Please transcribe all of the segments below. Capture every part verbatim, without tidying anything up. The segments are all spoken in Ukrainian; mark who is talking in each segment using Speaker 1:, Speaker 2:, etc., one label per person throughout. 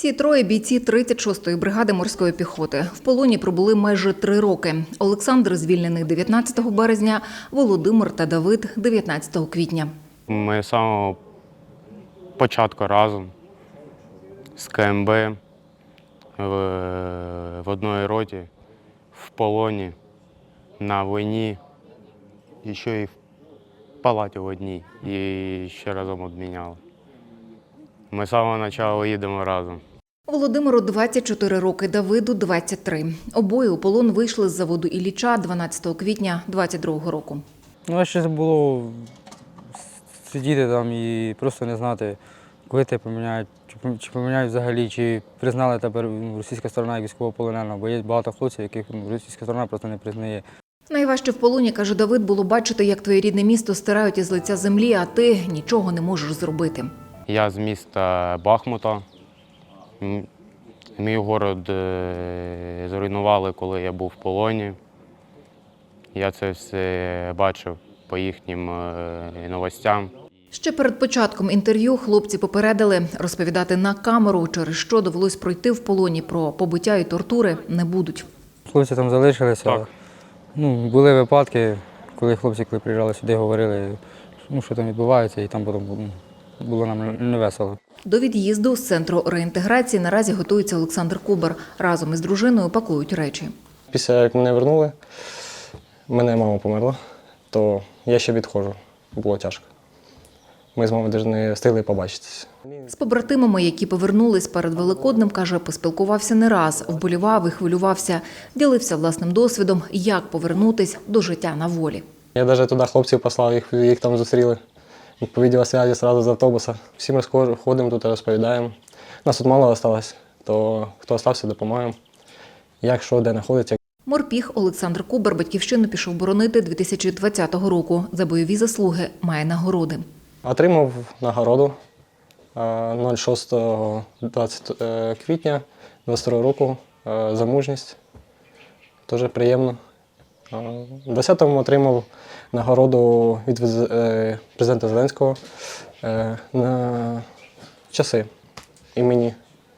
Speaker 1: Всі троє бійці тридцять шостої бригади морської піхоти. В полоні пробули майже три роки. Олександр звільнений дев'ятнадцятого березня, Володимир та Давид – дев'ятнадцятого квітня.
Speaker 2: Ми з самого початку разом з ка ем бе в, в одній роті, в полоні, на війні, і ще й в палаті в одній, і ще разом обміняли. Ми з самого початку їдемо разом.
Speaker 1: Володимиру двадцять чотири роки, Давиду – двадцять три. Обоє у полон вийшли з заводу Ілліча дванадцятого квітня двадцять другого року.
Speaker 3: Ну, а ще було сидіти там і просто не знати, коли тебе поміняють, чи поміняють взагалі, чи признали тепер російська сторона як військовополоненого, бо є багато хлопців, яких російська сторона просто не признає.
Speaker 1: Найважче в полоні, каже Давид, було бачити, як твоє рідне місто стирають із лиця землі, а ти нічого не можеш зробити.
Speaker 2: Я з міста Бахмута. Мій город зруйнували, коли я був в полоні. Я це все бачив по їхнім новостям.
Speaker 1: Ще перед початком інтерв'ю хлопці попередили, розповідати на камеру, через що довелось пройти в полоні, про побиття і тортури не будуть.
Speaker 3: Хлопці там залишилися.
Speaker 2: Так.
Speaker 3: Ну, були випадки, коли хлопці, коли приїжджали сюди, говорили, ну, що там відбувається, і там потім було нам невесело.
Speaker 1: До від'їзду з центру реінтеграції наразі готується Олександр Кубар. Разом із дружиною пакують речі.
Speaker 4: Після як мене вернули, мене мама померла, то я ще відходжу. Було тяжко. Ми з мамою навіть не встигли побачитися.
Speaker 1: З побратимами, які повернулись перед Великоднем, каже, поспілкувався не раз, вболівав і хвилювався, ділився власним досвідом, як повернутись до життя на волі.
Speaker 4: Я навіть туди хлопців послав, їх, їх там зустріли. По відеосвязі одразу з автобуса. Всі ми ходимо тут, розповідаємо. Нас тут мало залишилось, то хто залишився, допомагаємо. Як, що, де знаходиться.
Speaker 1: Морпіг Олександр Кубар батьківщину пішов боронити дві тисячі двадцятого року. За бойові заслуги має нагороди.
Speaker 4: Отримав нагороду шостого квітня двадцять другого року за мужність. Дуже приємно. В десятому отримав нагороду від президента Зеленського на часи імені.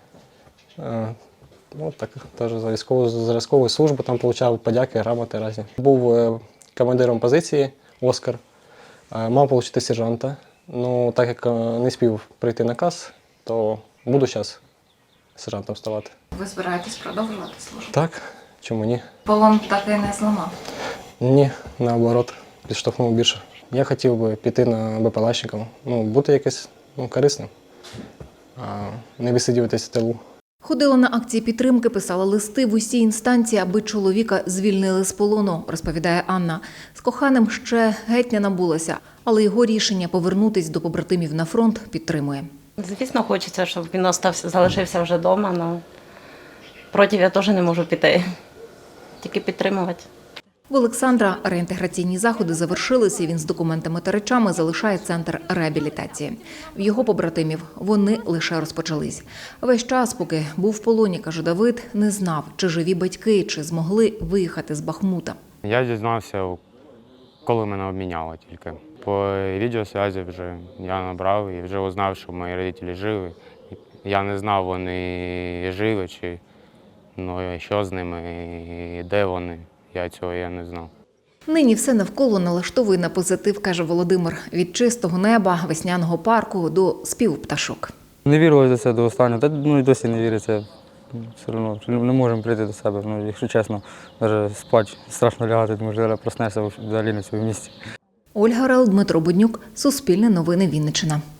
Speaker 4: Ну, так, теж за військову зразкову службу там отримав подяки, грамоти різні. Був командиром позиції «Оскар», мав отримати сержанта. Ну, так як не спів прийти наказ, то буду зараз сержантом ставати.
Speaker 1: Ви збираєтесь продовжувати службу?
Speaker 4: Так, чому ні?
Speaker 1: Полон так і не зламав?
Speaker 4: Ні, наоборот, підштовхнув більше. Я хотів би піти на БПЛАщиком, ну, бути якось ну, корисним, а не висидіватися в тилу.
Speaker 1: Ходила на акції підтримки, писала листи в усі інстанції, аби чоловіка звільнили з полону, розповідає Анна. З коханим ще геть не набулася, але його рішення повернутись до побратимів на фронт підтримує.
Speaker 5: Звісно, хочеться, щоб він остався, залишився вже вдома, але проти я теж не можу піти, тільки підтримувати.
Speaker 1: В Олександра реінтеграційні заходи завершилися, і він з документами та речами залишає центр реабілітації. В його побратимів вони лише розпочались. Весь час, поки був в полоні, каже Давид, не знав, чи живі батьки, чи змогли виїхати з Бахмута.
Speaker 2: Я дізнався, коли мене обміняли тільки. По відеосвязі вже я набрав і вже узнав, що мої родителі живі. Я не знав, вони живі, чи ну, що з ними, і де вони. Я цього я не знав.
Speaker 1: Нині все навколо налаштовує на позитив, каже Володимир. Від чистого неба, весняного парку до співу пташок.
Speaker 3: Не вірилося це до останнього, та ну і досі не віриться. Все одно не можемо прийти до себе. Ну, якщо чесно, навіть спати страшно лягати, тому що зараз проснешся взагалі на цьому місці.
Speaker 1: Ольга Рал, Дмитро Буднюк, Суспільне новини Вінниччина.